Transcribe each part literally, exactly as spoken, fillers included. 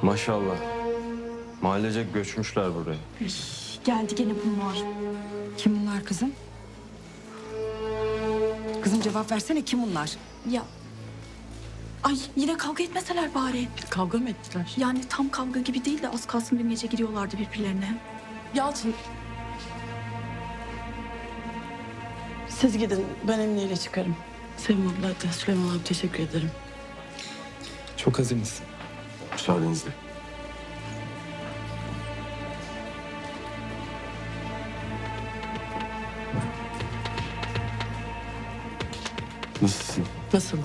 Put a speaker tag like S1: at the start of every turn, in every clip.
S1: Maşallah. Mahallecek göçmüşler buraya.
S2: Üf, geldi gene bunlar.
S3: Kim bunlar kızım? Kızım cevap versene, kim bunlar?
S2: Ya. Ay yine kavga etmeseler bari.
S4: Kavga mı ettiler?
S2: Yani tam kavga gibi değil de az kalsın bir gece giriyorlardı birbirlerine.
S4: Yalçın. Siz gidin, ben Emine ile çıkarım. Sevim abla, hatta Süleyman abi teşekkür ederim.
S5: Çok azimiz.
S1: Müsaadenizle. Nasılsın?
S4: Nasıl?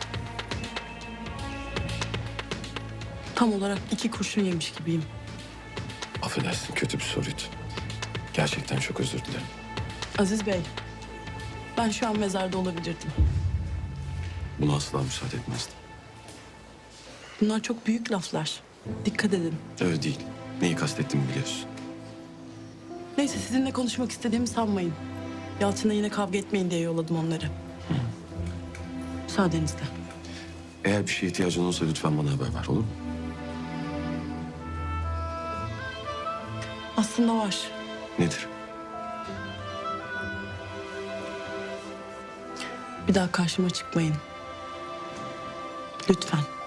S4: Tam olarak iki kurşun yemiş gibiyim.
S6: Affedersin, kötü bir soruydu. Gerçekten çok özür dilerim.
S4: Aziz Bey, ben şu an mezarda olabilirdim.
S6: Buna asla müsaade etmezdim.
S4: Bunlar çok büyük laflar. Dikkat edin.
S6: Öyle değil. Neyi kastettiğimi biliyorsun.
S4: Neyse, sizinle konuşmak istediğimi sanmayın. Yalçın'la yine kavga etmeyin diye yolladım onları. Müsaadenizle.
S6: Eğer bir şeye ihtiyacın olursa lütfen bana haber ver, olur mu?
S4: Aslında var.
S6: Nedir?
S4: Bir daha karşıma çıkmayın. Lütfen.